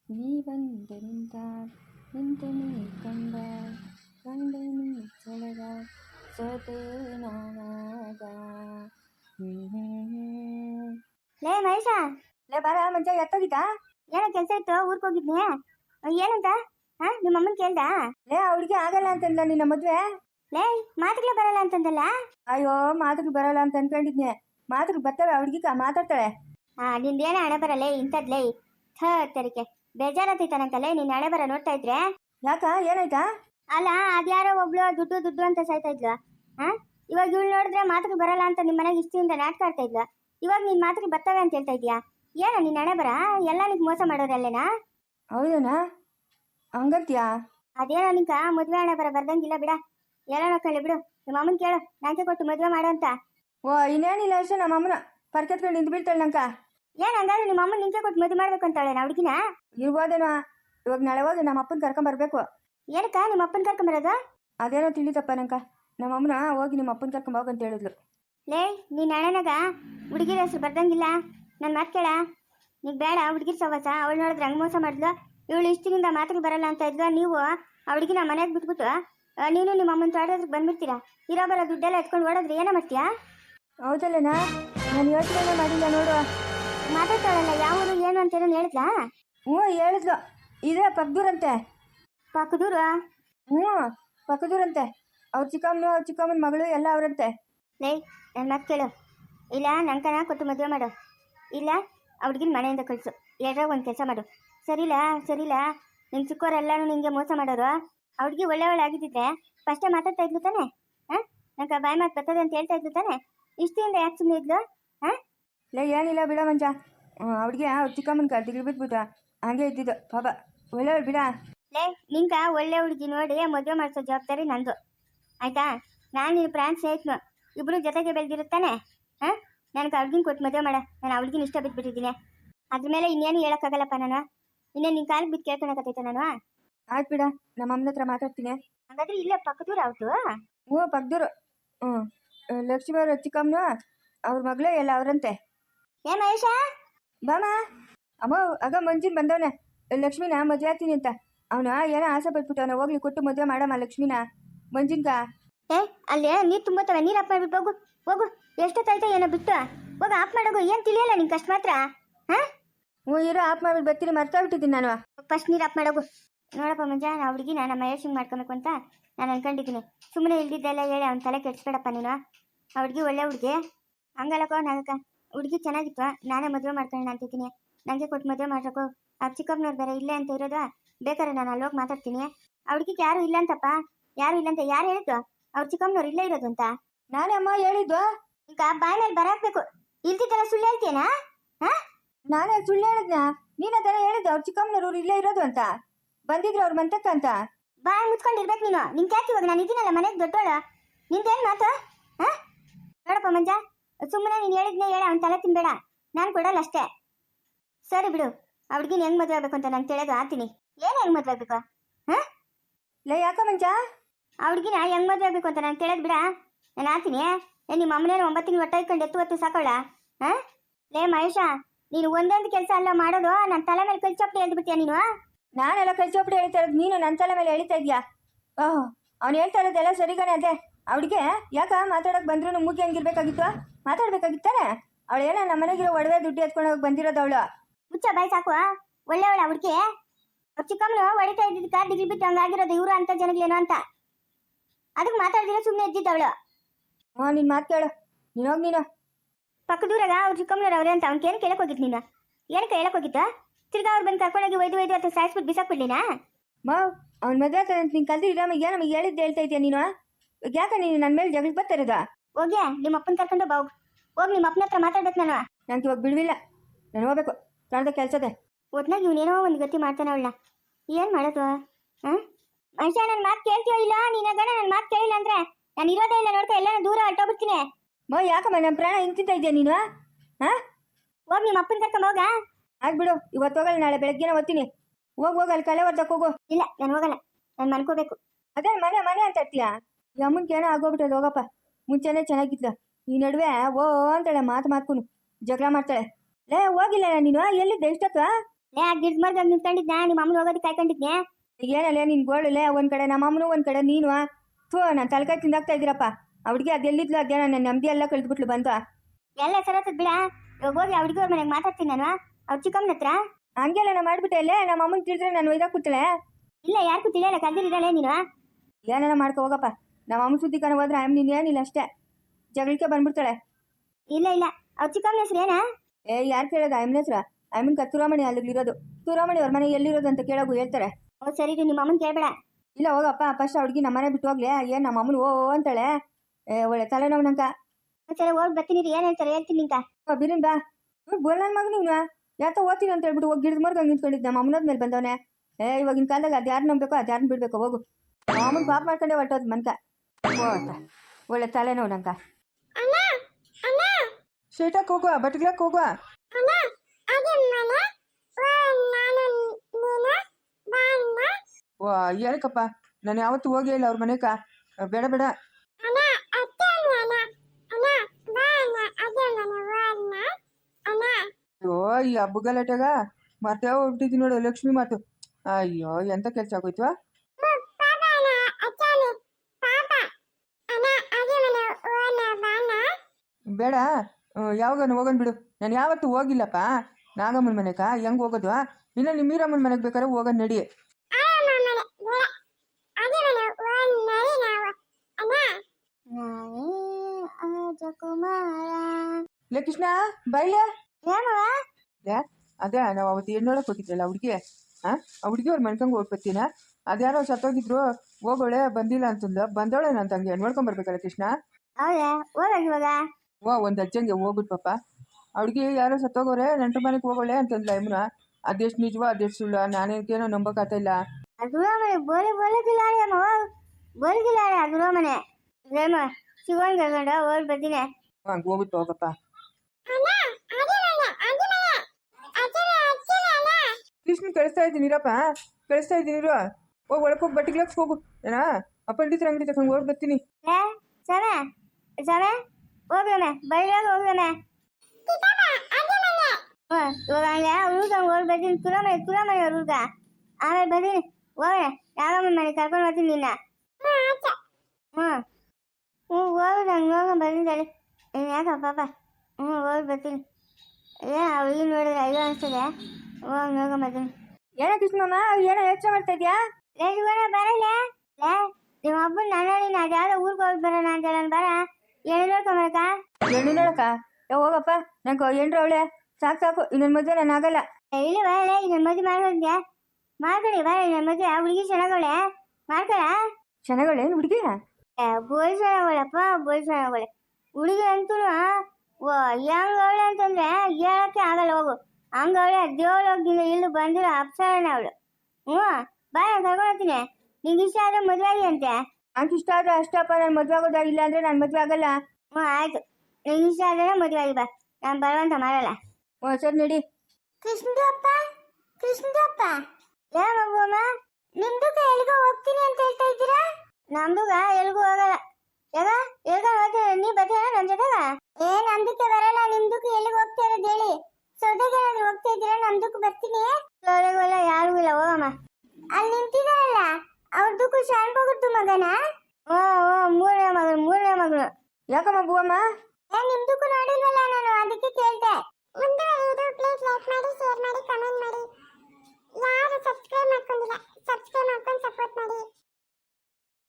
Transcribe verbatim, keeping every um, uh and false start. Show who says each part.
Speaker 1: ನೀ ಬಂದ ನಿಂತ ನಿಂತು ನೀ ಕಂಡ ಕಂಡ ನೀ ಸೆಳೆದ ಸೋತೆ ನಾನಾಗ.
Speaker 2: ಲೇ ಮಹೇಶ,
Speaker 1: ಲೇ ಬಾರ ಮಂಜ, ಎತ್ತೋಗಿದ್ದ?
Speaker 2: ಏನೋ ಕೆಲಸ ಇತ್ತು, ಊರ್ಗ್ ಹೋಗಿದ್ನಿ. ಏನಂತ? ಹಾ, ನಿಮ್ಮ ಅಮ್ಮನ್ ಕೇಳ್ದ?
Speaker 1: ಲೇ ಅವಳಿಗೆ ಆಗಲ್ಲ ಅಂತಂದ ನಿನ್ನ ಮದ್ವೆ.
Speaker 2: ಲೇ ಮಾತುಗಳೇ ಬರಲ್ಲ ಅಂತಂದಲ್ಲ.
Speaker 1: ಅಯ್ಯೋ, ಮಾತುಗಳು ಬರಲ್ಲ ಅಂತ ಅನ್ಕೊಂಡಿದ್ನೆ. ಮಾತುಗಳು ಬರ್ತವೆ, ಅವಳಿಗೆ ಮಾತಾಡ್ತಾಳೆ.
Speaker 2: ಹಾ, ನಿಂದೇನ ಹಣೆ ಬರಲ್ಲೇ ಇಂಥದ್ಲೇ. ಥ ತರಿಕೆ ಬೇಜಾರತ್ತೈತಾನಂತಲೇ ನಿನ್ನ ಹಣೆ ಬರ ನೋಡ್ತಾ ಇದ್ರೆ.
Speaker 1: ಯಾಕ, ಏನಾಯ್ತಾ?
Speaker 2: ಅಲ್ಲ, ಅದ್ಯಾರೋ ಒಬ್ಳು ದುಡ್ಡು ದುಡ್ಡು ಅಂತ ಸಾಯ್ತಾ ಇದ್ಲು. ಹಾ, ಇವಾಗ ಇವಳು ನೋಡಿದ್ರೆ ಮಾತುಗಳು ಬರಲ್ಲ ಅಂತ ನಿಮ್ಮ ಮನೆಗೆ ಇಷ್ಟಿಂದ ನಾಟಕ ಆಡ್ತಾ ಇದ್ಲು. ಇವಾಗ ನಿನ್ ಮಾತುಗಳು ಬರ್ತವೆ ಅಂತ ಹೇಳ್ತಾ ಇದೀಯಾ? ಏನೋ ನಿನ್ನ ಹಣೆ ಬರ, ಎಲ್ಲ ನಿಂಗೆ ಮೋಸ ಮಾಡೋರಲ್ಲೇನಾ?
Speaker 1: ಹೌದೇನಾ? ಹಂಗಂತ್ಯಾ?
Speaker 2: ಅದೇನೋ ನಿಂಕ ಮದ್ವೆ ಹಣೆ ಬರ ಬರ್ದಂಗಿಲ್ಲ ಬಿಡ. ಎಲ್ಲ ನೋಡ್ಕೊಳ್ಳಿ ಬಿಡು. ನಿಮ್ಮ ಅಮ್ಮನ್ ಕೇಳು, ನಾಕೆ ಕೊಟ್ಟು ಮದ್ವೆ ಮಾಡು ಅಂತ.
Speaker 1: ಓ, ಇನ್ನೇನಿಲ್ಲ ಅಷ್ಟೇ. ನಮ್ಮ ಅಮ್ಮನ ಪರ್ಕೆತ್ಕೊಂಡು ನಿಂತು ಬೀಳ್ತಾಳೆ ನಂಕ.
Speaker 2: ಏನ್ ಹಂಗಾದ್ರೆ ನಿಮ್ಮ ಅಮ್ಮನ ನಿಂಕೆ ಕೊಟ್ಟು ಮದುವೆ ಮಾಡ್ಬೇಕು ಅಂತಾಳೆ ನಾ ಹುಡುಗಿನ?
Speaker 1: ಇರ್ಬೋದೇನೋ. ಇವಾಗ ನಾಳೆ ಹೋಗಿ ನಮ್ಮ ಅಪ್ಪನ ಕರ್ಕೊಂಬರ್ಬೇಕು.
Speaker 2: ಏನಕ್ಕ ನಿಮ್ಮ ಅಪ್ಪನ ಕರ್ಕೊಂಬರೋದು?
Speaker 1: ಅದೇನೋ ತಿಳಿತಪ್ಪ ನಂಕ. ನಮ್ಮ ಅಮ್ಮನ ಹೋಗಿ ನಿಮ್ಮ ಅಪ್ಪನ ಕರ್ಕೊಂಡ್ ಹೋಗಂತ ಹೇಳಿದ್ಲು.
Speaker 2: ಲೇ ನೀನ್ ಹಣೆನಾಗ ಹುಡುಗಿರ ಹೆಸರು ಬರ್ದಂಗಿಲ್ಲ. ನನ್ನ ಮಾತು ಕೇಳ, ನೀಗ್ ಬೇಡ ಹುಡುಗಿರ್ ಸವಾಸ. ಅವಳು ನೋಡಿದ್ರೆ ಹಂಗ ಮೋಸ ಮಾಡಿದ್ಲು. ಇವಳು ಇಷ್ಟಿನಿಂದ ಮಾತಿಗೆ ಬರಲ್ಲ ಅಂತ ಇದ್ಲು. ನೀವು ಆ ಹುಡುಗಿನ ಮನೆಗೆ ಬಿಟ್ಬಿಟ್ಟು ನೀನು ನಿಮ್ಮ ಅಮ್ಮನ ತೋಟದಕ್ಕೆ ಬಂದ್ಬಿಡ್ತೀರಾ. ಇರೋ ಬರೋ ದುಡ್ಡೆಲ್ಲ ಎತ್ಕೊಂಡು ಓಡೋದ್ರೆ ಏನೋ ಮಾಡ್ತೀಯಾ?
Speaker 1: ಹೌದಲ್ಲೇನಾ? ನಾನು ಯೋಚನೆ ಮಾಡಿಲ್ಲ ನೋಡು.
Speaker 2: ಮಾತಾಡ್ತಾಳಲ್ಲ, ಯಾವ ಊರು ಏನು ಅಂತ ಏನೋ ಹೇಳಿದ್ಲಾ?
Speaker 1: ಹ್ಞೂ ಹೇಳಿದ್ಲು. ಇದೇ ಪಕ್ಕದೂರಂತೆ.
Speaker 2: ಪಕ್ಕದೂರು?
Speaker 1: ಹ್ಞೂ, ಪಕ್ಕದೂರಂತೆ. ಅವ್ರ ಚಿಕ್ಕಮ್ಮನು ಅವ್ರ ಚಿಕ್ಕಮ್ಮನ ಮಗಳು ಎಲ್ಲ ಅವರಂತೆ.
Speaker 2: ಲೇ ನನ್ನ ಮಾತು ಕೇಳು. ಇಲ್ಲ ನಂಕನ ಕೊಟ್ಟು ಮದುವೆ ಮಾಡು, ಇಲ್ಲ ಆ ಹುಡುಗಿನ ಮನೆಯಿಂದ ಕಳಿಸು. ಎರಡರಾಗ ಒಂದು ಕೆಲಸ ಮಾಡು. ಸರಿಲ್ಲ ಸರಿಲ್ಲ ನಿನ್ನ ಚಿಕ್ಕವರೆಲ್ಲರೂ ನಿಂಗೆ ಮೋಸ ಮಾಡೋರು. ಆ ಹುಡುಗಿ ಒಳ್ಳೆ ಒಳ್ಳೆ ಆಗಿದ್ದಿದ್ರೆ ಫಸ್ಟೇ ಮಾತಾಡ್ತಾ ಇದ್ಲು ತಾನೆ? ಹಾಂ, ನಂಗೆ ಬಾಯಿ ಮಾತು ಬರ್ತದೆ ಅಂತ ಹೇಳ್ತಾ ಇದ್ಲು ತಾನೆ? ಇಷ್ಟಿಂದ ಯಾಕೆ ಸುಮ್ಮನೆ ಇದ್ಲು? ಹಾಂ,
Speaker 1: ಲೇ ಏನಿಲ್ಲ ಬಿಡ ಮಂಜ. ಅವ್ಳಿಗೆ ಅವ್ರ ಚಿಕ್ಕಮ್ಮನ ದಿಗಿಲು ಬಿಟ್ಬಿಟ್ಟ, ಹಂಗೆ ಇದ್ದಿದ್ದು ಪಾಪ. ಒಳ್ಳೆಯವ್ಳು ಬಿಡ.
Speaker 2: ಲೇ ನಿಂಕ ಒಳ್ಳೆ ಹುಡುಗಿ ನೋಡಿ ಮದುವೆ ಮಾಡಿಸೋ ಜವಾಬ್ದಾರಿ ನಂದು, ಆಯ್ತಾ? ನಾನು ನಿನ್ನ ಪ್ರಾಣ ಸ್ನೇಹಿತನು, ಇಬ್ಬರು ಜೊತೆಗೆ ಬೆಳೆದಿರುತ್ತಾನೆ. ಹಾಂ, ನನಗೆ ಅವ್ಳಿಗಿನ ಕೊಟ್ಟು ಮದುವೆ ಮಾಡ. ನಾನು ಅವ್ಳಿಗಿನ ಇಷ್ಟ ಬಿದ್ದುಬಿಟ್ಟಿದ್ದೀನಿ. ಅದ್ರ ಮೇಲೆ ಇನ್ನೇನು ಹೇಳೋಕ್ಕಾಗಲ್ಲಪ್ಪ ನಾನು. ಇನ್ನೇನು ನಿನ್ನ ಕಾಲಿಗೆ ಬಿದ್ದು ಕೇಳ್ಕೊಳಕತ್ತೈತೆ ನಾನು.
Speaker 1: ಆಯ್ತು ಬಿಡ, ನಮ್ಮ ಅಮ್ಮನ ಹತ್ರ ಮಾತಾಡ್ತೀನಿ.
Speaker 2: ಹಾಗಾದ್ರೆ ಇಲ್ಲೇ ಪಕ್ಕದೂರು ಅವ್ತು?
Speaker 1: ಹ್ಞೂ, ಪಕ್ಕದೂರು. ಹ್ಞೂ, ಲಕ್ಷ್ಮಿ ಅವ್ರ ಚಿಕ್ಕಮ್ಮನು ಅವ್ರ ಮಗಳೇ ಎಲ್ಲ ಅವರಂತೆ.
Speaker 2: ಏ ಮಹೇಶ,
Speaker 1: ಬಾಮ. ಅಮ್ಮ ಆಗ ಮಂಜಿನ ಬಂದವನೆ ಲಕ್ಷ್ಮಿನ ಮದುವೆ ಆಗ್ತೀನಿ ಅಂತ. ಅವನು ಏನೋ ಆಸೆ ಪಟ್ಬಿಟ್ಟು ಅವನ ಹೋಗ್ಲಿ ಕೊಟ್ಟು ಮದುವೆ ಮಾಡಮ್ಮ ಲಕ್ಷ್ಮಿನ ಮಂಜಿನ್ಕ.
Speaker 2: ಏ ಅಲ್ಲೇ ನೀರು ತುಂಬತ್ತವೆ, ನೀರು ಆಫ್ ಮಾಡಿಬಿಟ್ಟು ಹೋಗು ಹೋಗು. ಎಷ್ಟೊತ್ತಾಯ್ತಾ ಏನೋ ಬಿಟ್ಟು ಹೋಗ ಆಫ್ ಮಾಡೋಗು. ಏನು ತಿಳಿಯಲ್ಲ ನಿಂಗೆ ಅಷ್ಟು ಮಾತ್ರ? ಹಾಂ,
Speaker 1: ಹ್ಞೂ ಇರೋ ಆಫ್ ಮಾಡ್ಬಿಟ್ಟು ಬರ್ತೀನಿ, ಮರ್ತಾ ಬಿಟ್ಟಿದ್ದೀನಿ ನಾನು.
Speaker 2: ಫಸ್ಟ್ ನೀರು ಆಫ್ ಮಾಡೋಗು. ನೋಡಪ್ಪ ಮಂಜ, ನಾ ಹುಡುಗಿನ ನಮ್ಮ ಮಹೇಶಿಂಗ್ ಮಾಡ್ಕೊಬೇಕು ಅಂತ ನಾನು ಅನ್ಕೊಂಡಿದ್ದೀನಿ. ಸುಮ್ಮನೆ ಇಲ್ದಿದ್ದೆಲ್ಲ ಹೇಳಿ ಅವ್ನ ತಲೆ ಕೆಡಿಸ್ಬೇಡಪ್ಪ ನೀನು. ಆ ಹುಡುಗಿ ಒಳ್ಳೆ ಹುಡುಗಿ, ಹಂಗಲ್ಲಕ್ಕೋ. ನಾಗಕ್ಕ ಹುಡುಗಿ ಚೆನ್ನಾಗಿತ್ತು, ನಾನೇ ಮದುವೆ ಮಾಡ್ಕೊಳ್ಳೋಣ ಅಂತಿದ್ದೀನಿ. ನನಗೆ ಕೊಟ್ಟು ಮದುವೆ ಮಾಡ್ಬೇಕು. ಆ ಚಿಕ್ಕಪ್ಪನವ್ರು ಬೇರೆ ಇಲ್ಲೇ ಅಂತ ಇರೋದು. ಬೇಕಾದ್ರೆ ನಾನು ಅಲ್ಲೋಗಿ ಮಾತಾಡ್ತೀನಿ. ಆ ಹುಡುಗಿಗೆ ಯಾರು ಇಲ್ಲ ಅಂತಪ್ಪ, ಯಾರು ಇಲ್ಲ ಅಂತ ಯಾರು ಹೇಳಿದ್ದು? ಅವ್ರ ಚಿಕ್ಕಮ್ಮನವ್ರು ಇಲ್ಲೇ ಇರೋದು ಅಂತ
Speaker 1: ನಾನೇ ಅಮ್ಮ ಹೇಳಿದ್ದು.
Speaker 2: ಈಗ ಬಾಯ್ ಮೇಲೆ ಬರಾಕ್ಬೇಕು. ಇಲ್ದಿದ್ದೆಲ್ಲ ಸುಳ್ಳು ಹೇಳ್ತೀಯನಾ? ಹಾಂ,
Speaker 1: ನಾನೇ ಸುಳ್ಳು ಹೇಳಿದ್ನ? ನೀನೇ ತಾನೇ ಹೇಳಿದ್ದು ಅವ್ರ ಚಿಕ್ಕಮ್ಮನವ್ರು ಇಲ್ಲೇ ಇರೋದು ಅಂತ, ಬಂದಿದ್ರು ಅವ್ರ ಮಂತಕ್ಕ ಅಂತ.
Speaker 2: ಬಾಯ್ ಮುಚ್ಕೊಂಡಿರ್ಬೇಕು ನೀನು. ನಿನ್ ಕ್ಯಾಕ್ ಇವಾಗ ನಾನು ಇದೀನಲ್ಲ ಮನೆಗೆ ದೊಡ್ಡೋಳ, ನಿಂದೇನು ಮಾತು? ಹಾಂ, ನೋಡಪ್ಪ ಮಂಜ, ಸುಮ್ಮನೆ ನೀನು ಹೇಳಿದ್ನೇ ಹೇಳ, ಅವ್ನ ತಲೆ ತಿನ್ಬೇಡ. ನಾನು ಕೊಡಲ್ಲ ಅಷ್ಟೇ. ಸರಿ ಬಿಡು, ಆ ಹುಡುಗಿನ ಹೆಂಗ್ ಮದುವೆ ಆಗ್ಬೇಕು ಅಂತ ನಾನು ತಿಳಿಯೋದು ಆತೀನಿ. ಏನು ಹೆಂಗ್ ಮದುವೆ ಆಗ್ಬೇಕು? ಹಾಂ,
Speaker 1: ಲೇ ಯಾಕ ಮಂಜ?
Speaker 2: ಆ ಹುಡುಗಿನ ಹೆಂಗ್ ಮದುವೆ ಆಗ್ಬೇಕು ಅಂತ ನಾನು ತಿಳಿಯೋದು ಬಿಡ. ನಾನು ಆತೀನಿ. ಏ ನಿಮ್ಮ ಅಮ್ಮನೇನು ಒಂಬತ್ತು ತಿಂಗಳು ಹೊಟ್ಟೆ ಇಟ್ಕೊಂಡು ಎತ್ತು ಹೊತ್ತು ಸಾಕೋಳ? ಹಾಂ, ಲೇ ಮಹೇಶ, ನೀನು ಒಂದೊಂದು ಕೆಲಸ ಎಲ್ಲ ಮಾಡೋದು ನನ್ನ ತಲೆ ಮೇಲೆ ಕೈ ಚಪ್ಪಡಿ ಎದ್ಬಿಡ್ತೀಯ ನೀನು.
Speaker 1: ನಾನೆಲ್ಲ ಕೈ ಚೋಪಡಿ ಹೇಳ್ತಾ ಇರೋದು, ನೀನು ನನ್ನ ತಲೆ ಮೇಲೆ ಎಳಿತಾ ಇದೀಯಾ? ಓಹ್, ಅವ್ನು ಹೇಳ್ತಾ ಇರೋದೆಲ್ಲ ಸರಿಗಾನೆ. ಅದೇ ಅವಳಿಗೆ ಯಾಕ ಮಾತಾಡೋಕೆ ಬಂದ್ರು ಮೂಗಿ ಹಂಗಿರ್ಬೇಕಾಗಿತ್ತು? ಮಾತಾಡ್ಬೇಕಾಗಿತ್ತಾನೆ. ಅವಳು ಏನೋ ನಮ್ಮ ಮನೆಗಿರೋ ಒಡವೆ ದುಡ್ಡು ಎತ್ಕೊಂಡು ಹೋಗಿ ಬಂದಿರೋದು ಅವಳು.
Speaker 2: ಮುಚ್ಚ ಬಾಯ್ ಸಾಕು. ಒಳ್ಳೆಯವಳ ಹುಡುಗಿ. ಅವ್ರ ಚಿಕ್ಕಮ್ಮನು ಹೊಡಿತಾ ಇದ್ದಿದ್ದಕ್ಕ ಡಿಗ್ರಿ ಬಿಟ್ಟು ಹಂಗಾಗಿರೋದು ಇವರು ಅಂತ ಜನಗಳೇನೋ ಅಂತ. ಅದಕ್ಕೆ ಮಾತಾಡಿದ್ರೆ ಸುಮ್ಮನೆ ಇದ್ದಿದ್ದವಳು.
Speaker 1: ಹ್ಞೂ, ನಿನ್ನ ಮಾತು ಕೇಳು. ನೀನು ಹೋಗಿ ನೀನು
Speaker 2: ಪಕ್ಕದೂರಾಗ ಅವ್ರ ಚಿಕ್ಕಮ್ಮನವ್ರು ಅವ್ರೆ ಅಂತ ಅವ್ನಿಗೆ ಏನು ಕೇಳಕ್ ಹೋಗಿತ್ತು ನೀನು? ಏನಕ್ಕೆ ಹೇಳಕ್ ಹೋಗಿತ್ತ? ತಿರ್ಗಾ ಅವ್ರು ಬಂದು ಕರ್ಕೊಂಡೋಗಿ ಒಯ್ದು ಒಯ್ದು ಅಂತ ಸಾಯಿಸ್ಬಿಟ್ಟು ಬಿಸಾಕ್ಬಿಡ್ಲಿನಾ?
Speaker 1: ಮಾವ್, ಅವ್ನ ಮದುವೆ ಆಗ್ತಾನೆ ಅಂತ ನೀನು ಕಲ್ತಿರ ನಮಗೆ ನಮಗೆ ಹೇಳಿದ್ದು ಹೇಳ್ತಾ ಇದೆಯಾ ನೀನು? ಯಾಕೆ ನೀನು ನನ್ನ ಮೇಲೆ ಜಗಳ ಬರ್ತಾ ಇರೋದಾ?
Speaker 2: ಹೋಗ್ಯಾ ನಿಮ್ಮ ಅಪ್ಪನ ಕರ್ಕೊಂಡು ಬಾ. ಹೋಗಿ ನಿಮ್ಮ ಅಪ್ಪನ ಹತ್ರ ಮಾತಾಡ್ಬೇಕು ನಾನು.
Speaker 1: ನಂಗೆ ಇವಾಗ ಬಿಡುವಿಲ್ಲ, ನಾನು ಹೋಗ್ಬೇಕು. ಕಾಣ್ದ ಕೆಲಸದೆ
Speaker 2: ಒಟ್ನಾಗ ಇವನೇನೋ ಒಂದು ಗತಿ ಮಾಡ್ತಾನೆ ಅವಳ. ಏನು ಮಾಡೋದು? ಹಾಂ, ಮನುಷ್ಯ ನನ್ನ ಮಾತು ಕೇಳ್ತೀಯೋ ಇಲ್ಲ? ನೀನಾಗ ನನ್ನ ಮಾತು ಕೇಳಿಲ್ಲ ಅಂದ್ರೆ ನಾನು ಇರೋದೇ ಇಲ್ಲ ನೋಡ್ಕೊ, ಎಲ್ಲ ದೂರ ಹೊಟ್ಟೋಗ್ಬಿಡ್ತೀನಿ.
Speaker 1: ಮೋ, ಯಾಕಮ್ಮ ನಮ್ಮ ಪ್ರಾಣ ಹಿಂಗೆ ತಿಂತ ಇದೆಯಾ ನೀನು? ಹಾಂ,
Speaker 2: ಹೋಗಿ ನಿಮ್ಮ ಅಪ್ಪನ ಕರ್ಕೊಂಡು ಹೋಗ.
Speaker 1: ಆಗ್ಬಿಡು, ಇವತ್ತು ಹೋಗಲ್ಲ, ನಾಳೆ ಬೆಳಗ್ಗೆನ ಓದ್ತೀನಿ. ಹೋಗಿ ಹೋಗಿ ಅಲ್ಲಿ ಕಳೆ ಹೊರ್ದಕ್ಕೆ ಹೋಗು.
Speaker 2: ಇಲ್ಲ, ನಾನು ಹೋಗಲ್ಲ, ನಾನು ಮನ್ಕೋಬೇಕು.
Speaker 1: ಅದೇ ಮನೆ ಮನೆ ಅಂತ ಇರ್ತೀಯಾ? ಈ ಅಮ್ಮನ್ಗೆ ಏನೋ ಆಗೋಗ್ಬಿಟ್ಟದು. ಹೋಗಪ್ಪ, ಮುಂಚೆನೇ ಚೆನ್ನಾಗಿತ್ತು. ಈ ನಡುವೆ ಓ ಅಂತಾಳೆ, ಮಾತು ಮಾತ್ಕೊನು ಜಗಳ ಮಾಡ್ತಾಳೆ. ಲೇ ಹೋಗಿಲ್ಲ ನೀನು? ಎಲ್ಲಿದ್ದೆ ಇಷ್ಟೊತ್ತು?
Speaker 2: ಏ ಆ ಗಿಡ್ ಮರ್ಗ ನಿಂತ್ಕೊಂಡಿದ್ನ ನಿಮ್ಮ ಅಮ್ಮನ ಹೋಗೋದಕ್ಕೆ ಕಾಯ್ಕೊಂಡಿದ್ನೆ.
Speaker 1: ಏನಲ್ಲ ನಿನ್ ಗೋಳಲೆ ಒಂದ್ ಕಡೆ ನಮ್ಮ ಅಮ್ಮನು ಒಂದ್ ಕಡೆ ನೀನು ಥೂ ನಾನು ತಲೆಕಾಯಿ ತಿಂದಾಗ್ತಾ ಇದ್ದೀರಪ್ಪ. ಅವ್ರಿಗೆ ಅದೆಲ್ಲಿದ್ಲು ಅದೇ ನನ್ನ ನೆಮ್ಮದಿ ಎಲ್ಲ ಕಳೆದ್ಬಿಟ್ಲು ಬಂತು.
Speaker 2: ಎಲ್ಲ ಸರತ್ತದ ಬಿಡ. ಇವಾಗ ಹೋಗಿ ಆ ಹುಡುಗಿ ಮನೆಗೆ ಮಾತಾಡ್ತೀನಿ ನಾನು ಅವ್ರ ಚಿಕ್ಕಮ್ಮನ ಹತ್ರ.
Speaker 1: ಹಂಗೆಲ್ಲ ನಾ ಮಾಡ್ಬಿಟ್ಟೆ ಅಲ್ಲೇ ನಮ್ಮ ಅಮ್ಮನ ತಿಳಿದ್ರೆ ನಾನು ಒಯ್ದಾಕ್ ಕೂತಾಳೆ.
Speaker 2: ಇಲ್ಲ ಯಾರಿಗೂ ತಿಳಿಯಲ್ಲ ಕದ್ದಿರಿದ್ದಾಳೆ ನೀನು.
Speaker 1: ಏನಾರ ಮಾಡ್ಕೊ ಹೋಗಪ್ಪ. ನಮ್ಮ ಅಮ್ಮ ಸುದ್ದಿ ಕಣ ಹೋದ್ರೆ ಆಮೇಲೆ ನೀನು ಏನಿಲ್ಲ ಅಷ್ಟೇ ಜಗಳಕ್ಕೆ ಬಂದ್ಬಿಡ್ತಾಳೆ.
Speaker 2: ಇಲ್ಲ ಇಲ್ಲ ಅವ್ರ ಚಿಕ್ಕಮ್ಮನ ಹೆಸರು ಏನ?
Speaker 1: ಏ ಯಾರು ಕೇಳೋದು ಆಯಮ್ಮನ ಹೆಸ್ರ? ಆಯಮ್ಮನ ತುರಾಮಣಿ ಅಲ್ಲಿರೋದು. ತುರಾಮಣಿ ಅವ್ರ ಮನೆ ಎಲ್ಲಿರೋದು ಅಂತ ಕೇಳೋಗು ಹೇಳ್ತಾರೆ.
Speaker 2: ಓ ಸರಿ ನಿಮ್ಮ ಅಮ್ಮನ ಕೇಳಬೇಡ.
Speaker 1: ಇಲ್ಲ ಹೋಗಪ್ಪ ಫಸ್ಟ್ ಹುಡುಗಿ ನಮ್ಮ ಮನೆ ಬಿಟ್ಟು ಹೋಗ್ಲಿ. ಏನು ನಮ್ಮ ಅಮ್ಮನ ಓ ಅಂತಾಳೆ. ಏ ಒಳ್ಳೆ ತಲೆನೋವು ನಂಕ.
Speaker 2: ಸರಿ ಹೋಗಿ ಬರ್ತೀನಿ ಏನು ಹೇಳ್ತಾರೆ ಹೇಳ್ತೀನಿ ನಿಂಕ.
Speaker 1: ಬಿರಿನ್ ಬಾ ಬೋಲ್ ನನ್ನ ಮಗ ನೀನು ಯಾತ ಓದ್ತೀನಿ ಅಂತ ಹೇಳ್ಬಿಟ್ಟು ಹೋಗಿ ಗಿಡದ ಮರ್ಗ ನಿಂತ್ಕೊಂಡಿದ್ದ ನಮ್ಮ ಅಮ್ಮನದ ಮೇಲೆ ಬಂದವನೆ. ಏ ಇವಾಗಿನ ಕಾಲದಾಗ ಅದು ಯಾರು ನಂಬಬೇಕು ಅದು ಯಾರನ್ನ ಬಿಡ್ಬೇಕು ಹೋಗು. ಅಮ್ಮನ ಪಾಪ ಮಾಡ್ಕೊಂಡೆ ಹೊಟ್ಟೋದು ಮನ್ಕ. ಓ ಅಂತ ಒಳ್ಳೆ ತಲೆನೋವು ನಂಕ. ಶೇಟಕ್ಕೆ ಹೋಗುವ ಬಟ್ಗ್ಲಕ್ಕೆ ಹೋಗುವ. ಓ ಏನಕ್ಕಪ್ಪ ನಾನು ಯಾವತ್ತೂ ಹೋಗೇ ಇಲ್ಲ ಅವ್ರ ಮನೆಕ. ಬೇಡ ಬೇಡ. ಓ ಈ ಹಬ್ಬಗಲಾಟಾಗ ಮತ್ತೆ ಹೋಗ್ಬಿಟ್ಟಿದ್ದೀನಿ ನೋಡು ಲಕ್ಷ್ಮಿ ಮಾತು. ಅಯ್ಯೋ ಎಂತ ಕೆಲಸ ಆಗೋಯ್ತವಾ. ಬೇಡ ಯಾವಾಗ ಹೋಗೋಣ ಬಿಡು. ನಾನು ಯಾವತ್ತೂ ಹೋಗಿಲ್ಲಪ್ಪ ನಾಗಮ್ಮನ ಮನೆಗ. ಹೆಂಗೆ ಹೋಗೋದು? ಇನ್ನು ನಿಮ್ಮ ಮೀರಮ್ಮನ ಮನೆಗೆ ಬೇಕಾದ್ರೆ ಹೋಗೋಣ ನಡಿ. ಲೇ ಕೃಷ್ಣ ಬೈಲೆ. ಲೇ ಅದೇ ನಾವು ಅವತ್ತು ಹೆಣ್ಣೊಳಗೆ ಹೋಗಿದ್ರಲ್ಲ ಹುಡುಗಿ. ಹಾಂ ಆ ಹುಡುಗಿ ಅವ್ರ ಮನ್ಕಂಗೆ ಹೋಗ್ಬತ್ತೀನ. ಅದ್ಯಾರೋ ಸತ್ತೋಗಿದ್ರು ಹೋಗೋಳೆ ಬಂದಿಲ್ಲ ಅಂತಂದು ಬಂದವಳೆ ನಾನು ತಂಗೆ ನೋಡ್ಕೊಂಬರ್ಬೇಕಲ್ಲ ಕೃಷ್ಣ.
Speaker 2: ಹೌದಾ ಹೋದಾಗ ಇವಾಗ
Speaker 1: ಓ ಒಂದು ಅಜ್ಜಂಗೆ ಹೋಗ್ಬಿಟ್ಟು ಪಾಪ ಅವ್ಳಿಗೆ ಯಾರೋ ಸತ್ತೋಗೋರೆ ನೆಂಟ್ರ ಮನೆಗೆ ಹೋಗೋಳೆ ಅಂತಂದ್ಲ ಯಮುನ. ಅದೆಷ್ಟು ನಿಜವೋ ಅದೆಷ್ಟು ಸುಳ್ಳು ನಾನೇನೋ ನಂಬೋಕಾಗ್ತಾ ಇಲ್ಲ.
Speaker 2: ಅದು ಮನೆ ಬೋಲಿ ಬೋಲಗಿಲ್ಲ ಅಮ್ಮ ಬೋಲಗಿಲ್ಲ ಅದು ಮನೆ ರೇಮ ಶಿವನ್ ಕರ್ಕೊಂಡ ಹೋಗಿ ಬರ್ತೀನಿ.
Speaker 1: ಹಂಗೆ ಹೋಗ್ಬಿಟ್ಟು ಹೋಗಪ್ಪ. ಕೃಷ್ಣ ಕಳಿಸ್ತಾ ಇದ್ದೀನಿ ಇರಪ್ಪ ಕಳಿಸ್ತಾ ಇದ್ದೀನಿ ಇರು. ಹೋಗಿ ಒಳಕೋಗಿ ಬಟ್ಟಿಗ್ಲಕ್ಸ್ ಹೋಗು. ಏನಾ ಆ ಪಂಡಿತರ ಅಂಗಡಿ ತಗೊಂಡು ಹೋಗಿ ಬರ್ತೀನಿ.
Speaker 2: ಸಮಯ ಸಮಯ ಹೋಗ್ಲಮ್ಮ ಬೈಲಾಗ ಹೋಗ್ಲಮ್ಮ. ಹ್ಞೂ ಇವಾಗ ಹಂಗೆ ಹುಡುಗ ಹೋಗಿ ಬರ್ತೀನಿ. ತುಳಮನೆ ತುಳಮನೆ ಹುಡುಗ ಆಮೇಲೆ ಬರ್ತೀನಿ. ಹೋಗೋಣ ಯಾವಮ್ಮ ಮನೆ ಕರ್ಕೊಂಡು ಬರ್ತೀನಿ ನಿನ್ನ. ಹ್ಞೂ ಹ್ಞೂ ಹೋಗಿ ನಂಗೆ ಹೋಗ ಬರ್ತೀನಿ. ನೀನು ಯಾಕ ಪಾಪ ಹ್ಞೂ ಹೋಗಿ ಬರ್ತೀನಿ. ಏ ಅವಳಿಗೆ ನೋಡಿದ್ರೆ ಅಯ್ಯೋ ಅನಿಸ್ತದೆ. ಹೋಗಿ ಹೋಗ ಬರ್ತೀನಿ.
Speaker 1: ಏನೋ ಕೃಷ್ಣಮ್ಮ ಏನೋ ಯೋಚನೆ ಮಾಡ್ತಾ ಇದೆಯಾ?
Speaker 2: ಲೇ ಶಿವಣ್ಣ ಬರಲ್ಲ ಲೇ ನಿಮ್ಮ ಹಬ್ಬನ ನಾನು ನೀನು ಅದು ಯಾವುದೋ ಊರಿಗೆ ಹೋಗಿ ಬರೋಣ ಅಂತ ಹೇಳೋಣ ಬರ ಏನು ನೋಡ್ಕೊಂಬರಕ್ಕ.
Speaker 1: ಹೆಣ್ಣು ನೋಡಕ್ಕ ಹೋಗಪ್ಪ ನಂಗೆ ಎಂಡ್ರು ಅವಳೆ ಸಾಕು ಸಾಕು ಇನ್ನೊಂದು ಮದುವೆ ನಾನು ಆಗಲ್ಲ.
Speaker 2: ಇಲ್ಲಿ ಬರಲ್ಲ ಇನ್ನೊಂದು ಮದುವೆ ಮಾಡ್ಕೊಂಡ್ಯಾ ಮಾಡ್ಕೊಳ್ಳಿ ಬರ ಇನ್ನೊಂದು ಮದುವೆ ಹುಡುಗಿ ಚೆನ್ನಾಗವಳೆ ಮಾಡ್ಕೊಳ.
Speaker 1: ಚೆನ್ನಾಗವಳೆ ಏನು ಹುಡುಗಿ?
Speaker 2: ಬೋಲ್ ಚೆನ್ನಾಗವಳಪ್ಪ ಬೋಲ್ ಚೆನ್ನಾಗವಳೆ ಹುಡುಗಿ ಅಂತೂ ಓ ಹೆಂಗವಳೆ ಅಂತಂದ್ರೆ ಹೇಳಕ್ಕೆ ಆಗಲ್ಲ ಹೋಗು. ಹಂಗವಳೆ ದೇವಳೋಗಿಂದ ಇಲ್ಲಿ ಬಂದಿರೋ ಅಪ್ಸರಣ ಅವಳು. ಹ್ಞೂ ಬಾ ನಾನು ಕರ್ಕೊಳ್ತೀನಿ. ನಿಂಗೆ ಇಷ್ಟ ಆದ್ರೆ ಮದುವೆ ಆಗಿ ಅಂತೆ.
Speaker 1: ನಂಗೆ ಇಷ್ಟ ಆದ್ರೆ ಅಷ್ಟಪ್ಪ ನಾನು ಮದುವೆ ಆಗೋದ ಇಲ್ಲ ಅಂದ್ರೆ ನಾನು ಮದುವೆ ಆಗಲ್ಲ.
Speaker 2: ಹ್ಞೂ ಆಯ್ತು ನಿಂಗೆ ಇಷ್ಟ ಆದ್ರೆ ಮದುವೆ ಆಗಿ ಬಾ ನಾನು ಬರುವಂತ ಮಾಡಲ್ಲ.
Speaker 1: ಹ್ಞೂ ಸರಿ ನಡಿ.
Speaker 2: ಕೃಷ್ಣದಪ್ಪ ಕೃಷ್ಣದಪ್ಪ ಏ ಮಗುವಮ್ಮ ನಿಮ್ದುಗ ಎಲ್ಗೋ ಹೋಗ್ತೀನಿ ಅಂತ ಹೇಳ್ತಾ ಇದ್ದೀರಾ? ನಮ್ದುಗ ಎಲ್ಗೂ ಹೋಗಲ್ಲ. ಯಾಕ ಎಲ್ಗ ಹೋಗ್ತೀರ ನೀ ಬರ್ತೀರ ನನ್ನ ಜೊತೆಗ? ಏ ನಮ್ದಕ್ಕೆ ಬರಲ್ಲ ನಿಮ್ದಕ್ಕೆ ಎಲ್ಲಿಗೆ ಹೋಗ್ತಾ ಇರೋದು ಹೇಳಿ. ಸೌದೆಗೆ ಏನಾದ್ರು ಹೋಗ್ತಾ ಇದ್ದೀರಾ? ನಮ್ದಕ್ಕೆ ಬರ್ತೀನಿ. ಸೌದೆಗೆಲ್ಲ ಯಾರಿಗೂ ಇಲ್ಲ ಹೋಗಮ್ಮ. ಅಲ್ಲಿ ನಿಂತಿದಾರಲ್ಲ ಅವ್ರದಕ್ಕೂ ಶಾನ್ ಹೋಗುತ್ತು ಮಗನ. ಹ್ಞೂ ಹ್ಞೂ ಮೂರನೇ ಮಗಳು ಮೂರನೇ ಮಗಳು.
Speaker 1: ಯಾಕಮ್ಮ ಬೂವಮ್ಮ?
Speaker 2: ಏ ನಿಮ್ದಕ್ಕೂ ನೋಡಿಲ್ವಲ್ಲ ನಾನು ಅದಕ್ಕೆ ಕೇಳ್ತೆ. ಮುಂದುವರಿಯುವುದು ಪ್ಲೀಸ್ ಲೈಕ್ ಮಾಡಿ ಶೇರ್ ಮಾಡಿ ಕಮೆಂಟ್ ಮಾಡಿ. ಯಾರು